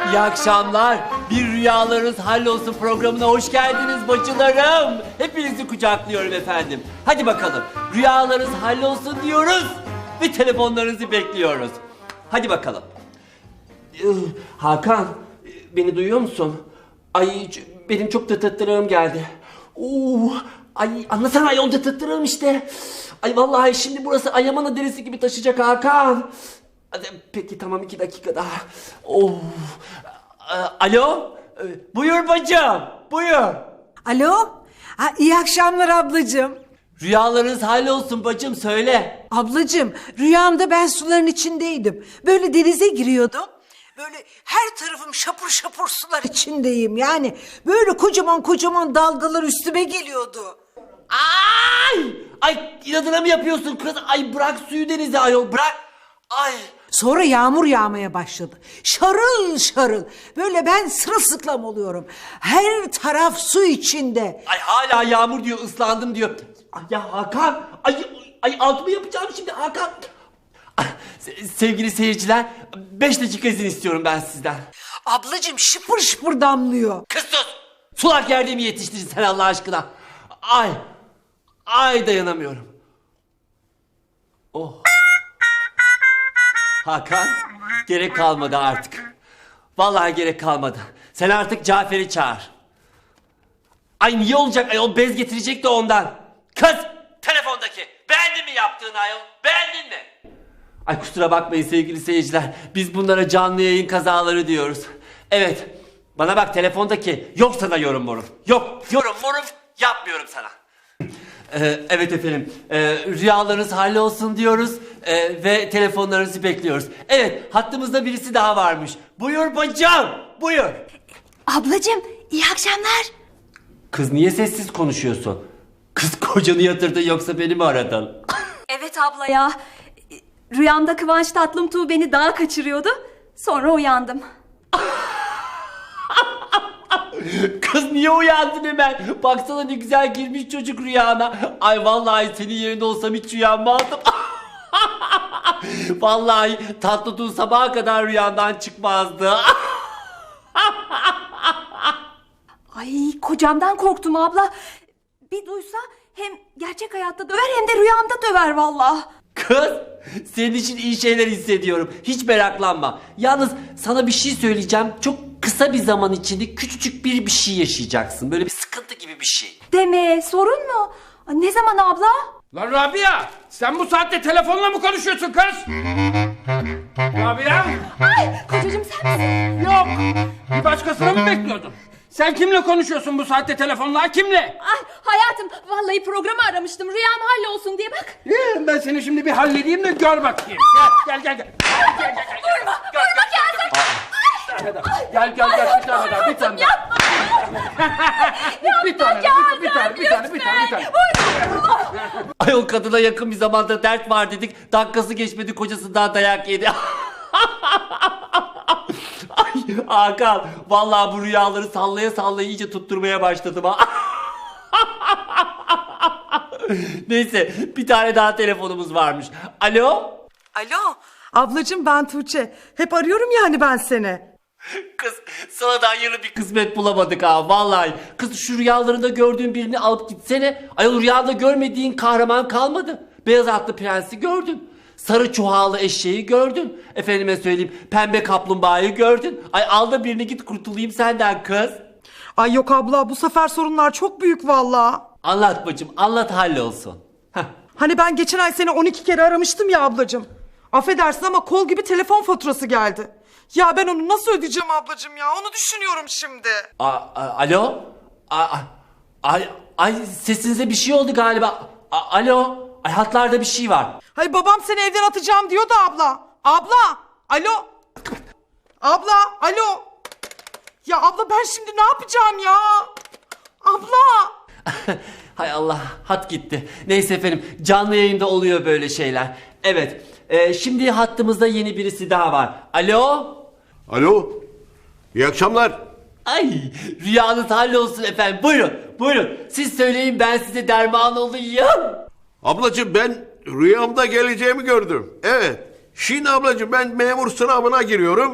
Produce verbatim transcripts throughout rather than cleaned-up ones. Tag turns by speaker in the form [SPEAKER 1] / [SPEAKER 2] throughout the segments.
[SPEAKER 1] İyi akşamlar. Bir Rüyalarınız Hallolsun programına hoş geldiniz bacılarım. Hepinizi kucaklıyorum efendim. Hadi bakalım. Rüyalarınız hallolsun diyoruz ve telefonlarınızı bekliyoruz. Hadi bakalım. Ee, Hakan, beni duyuyor musun? Ay benim çok tıtıttırığım geldi. Oo, ay anlasana ayol tıtıttırığım işte. Ay vallahi şimdi burası Ayaman'a derisi gibi taşıyacak Hakan. Peki tamam iki dakika daha. Oh. Alo? Buyur bacım. Buyur.
[SPEAKER 2] Alo? Ha, iyi akşamlar ablacığım.
[SPEAKER 1] Rüyalarınız hallolsun bacım söyle.
[SPEAKER 2] Ablacığım rüyamda ben suların içindeydim. Böyle denize giriyordum. Böyle her tarafım şapur şapur sular içindeyim. Yani böyle kocaman kocaman dalgalar üstüme geliyordu.
[SPEAKER 1] Ay! Ay inadına mı yapıyorsun kız? Ay bırak suyu denize ayol bırak. Ay.
[SPEAKER 2] Sonra yağmur yağmaya başladı. Şarıl şarıl. Böyle ben sırılsıklam oluyorum. Her taraf su içinde.
[SPEAKER 1] Ay hala yağmur diyor ıslandım diyor. Ay ya Hakan. Ay, ay altımı yapacağım şimdi Hakan. Ay, se- sevgili seyirciler beş dakika izin istiyorum ben sizden.
[SPEAKER 2] Ablacığım şıpır şıpır damlıyor.
[SPEAKER 1] Kız sus. Sulak yerde mi yetiştirdin sen Allah aşkına? Ay. Ay dayanamıyorum. Oh. Hakan, gerek kalmadı artık. Vallahi gerek kalmadı. Sen artık Cafer'i çağır. Ay niye olacak ayol bez getirecek de ondan. Kız telefondaki. Beğendin mi yaptığını ayol? Beğendin mi? Ay kusura bakmayın sevgili seyirciler. Biz bunlara canlı yayın kazaları diyoruz. Evet. Bana bak telefondaki. Yok sana yorum morum. Yok yorum morum yapmıyorum sana. Ee, evet efendim, ee, rüyalarınız hallolsun diyoruz ee, ve telefonlarınızı bekliyoruz. Evet, hattımızda birisi daha varmış. Buyur bacım, buyur.
[SPEAKER 3] Ablacığım, iyi akşamlar.
[SPEAKER 1] Kız niye sessiz konuşuyorsun? Kız kocanı yatırdın yoksa beni mi aradın?
[SPEAKER 3] Evet abla ya. Rüyamda Kıvanç Tatlımtuğ beni dağa kaçırıyordu. Sonra uyandım.
[SPEAKER 1] Kız niye uyandın hemen? Baksana ne güzel girmiş çocuk rüyana. Ay vallahi senin yerinde olsam hiç uyanmazdım. Vallahi Tatlıtuğ sabaha kadar rüyandan çıkmazdı.
[SPEAKER 3] Ay kocamdan korktum abla. Bir duysa hem gerçek hayatta döver hem de rüyamda döver vallahi.
[SPEAKER 1] Kız senin için iyi şeyler hissediyorum. Hiç meraklanma. Yalnız sana bir şey söyleyeceğim. Çok kısa bir zaman içinde küçücük bir bir şey yaşayacaksın. Böyle bir sıkıntı gibi bir şey.
[SPEAKER 3] Deme sorun mu? Ay, ne zaman abla?
[SPEAKER 4] Lan Rabia, sen bu saatte telefonla mı konuşuyorsun kız? Rabia?
[SPEAKER 3] Ay kocacığım sen misin?
[SPEAKER 4] Yok. Bir başkasını mı bekliyordun? Sen kimle konuşuyorsun bu saatte telefonla? Kimle?
[SPEAKER 3] Ay hayatım vallahi programı aramıştım. Rüyam hallolsun diye bak.
[SPEAKER 4] Ee, ben seni şimdi bir halledeyim de gör bakayım. Gel gel gel. Gel gel gel.
[SPEAKER 3] Vurma, vurma Kazım.
[SPEAKER 4] Gel gel gel bir tane daha bir tane daha. Bir tane bir bir tane bir tane bir tane bir tane.
[SPEAKER 1] Ay o kadına yakın bir zamanda dert var dedik. Dakikası geçmedi kocasından dayak yedi. Ay Hakan vallahi bu rüyaları sallaya sallaya iyice tutturmaya başladım ha. Neyse bir tane daha telefonumuz varmış. Alo?
[SPEAKER 5] Alo. Ablacığım ben Tuğçe. Hep arıyorum yani ben seni.
[SPEAKER 1] Kız sana da hayırlı bir kısmet bulamadık ha vallahi. Kız şu rüyalarında gördüğün birini alıp gitsene. Ayol rüyada görmediğin kahraman kalmadı. Beyaz atlı prensi gördün. Sarı çuhalı eşeği gördün. Efendime söyleyeyim pembe kaplumbağayı gördün. Ay al da birini git kurtulayım senden kız.
[SPEAKER 5] Ay yok abla bu sefer sorunlar çok büyük valla.
[SPEAKER 1] Anlat bacım anlat hallolsun. Heh.
[SPEAKER 5] Hani ben geçen ay seni on iki kere aramıştım ya ablacığım. Affedersin ama kol gibi telefon faturası geldi. Ya ben onu nasıl ödeyeceğim ablacığım ya onu düşünüyorum şimdi.
[SPEAKER 1] A, a- alo? A, a- ay, ay sesinize bir şey oldu galiba. A, alo? Ay hatlarda bir şey var.
[SPEAKER 5] Hay babam seni evden atacağım diyordu abla. Abla alo. Abla alo. Ya abla ben şimdi ne yapacağım ya? Abla.
[SPEAKER 1] Hay Allah hat gitti. Neyse efendim canlı yayında oluyor böyle şeyler. Evet e, şimdi hattımızda yeni birisi daha var. Alo?
[SPEAKER 6] Alo, iyi akşamlar.
[SPEAKER 1] Ay rüyanız hallolsun efendim buyurun buyurun. Siz söyleyin ben size derman olayım.
[SPEAKER 6] Ablacığım ben rüyamda geleceğimi gördüm. Evet, şimdi ablacığım ben memur sınavına giriyorum.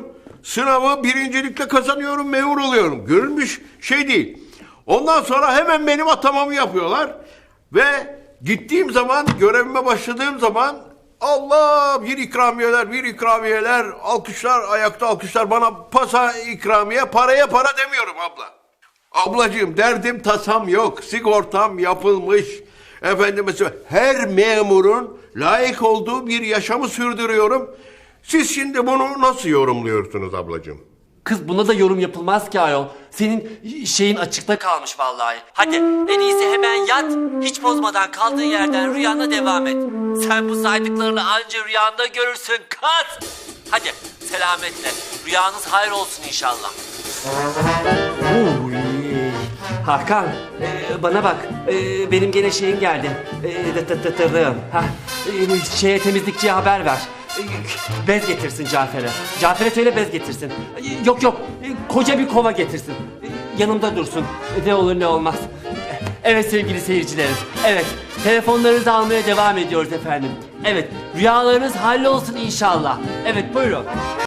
[SPEAKER 6] Sınavı birincilikle kazanıyorum, memur oluyorum. Görülmüş şey değil. Ondan sonra hemen benim atamamı yapıyorlar. Ve gittiğim zaman, görevime başladığım zaman Allah, bir ikramiyeler, bir ikramiyeler, alkışlar, ayakta alkışlar, bana pasa ikramiye, paraya para demiyorum abla. Ablacığım, derdim tasam yok, sigortam yapılmış. Efendim mesela her memurun layık olduğu bir yaşamı sürdürüyorum. Siz şimdi bunu nasıl yorumluyorsunuz ablacığım?
[SPEAKER 1] Kız buna da yorum yapılmaz ki ayol. Senin şeyin açıkta kalmış vallahi. Hadi en iyisi hemen yat. Hiç bozmadan kaldığın yerden rüyana devam et. Sen bu saydıklarını anca rüyanda görürsün kız. Hadi selametle. Rüyanız hayır olsun inşallah. Uy. Hakan e, bana bak. E, benim gene şeyim geldi. E, dı dı dı dı. Ha, e, şeye temizlikçiye haber ver. Bez getirsin Cafer'e. Cafer'e söyle bez getirsin. Yok yok, koca bir kova getirsin. Yanımda dursun. Ne olur ne olmaz. Evet sevgili seyircilerim. Evet, telefonlarınızı almaya devam ediyoruz efendim. Evet, rüyalarınız hallolsun inşallah. Evet, buyurun.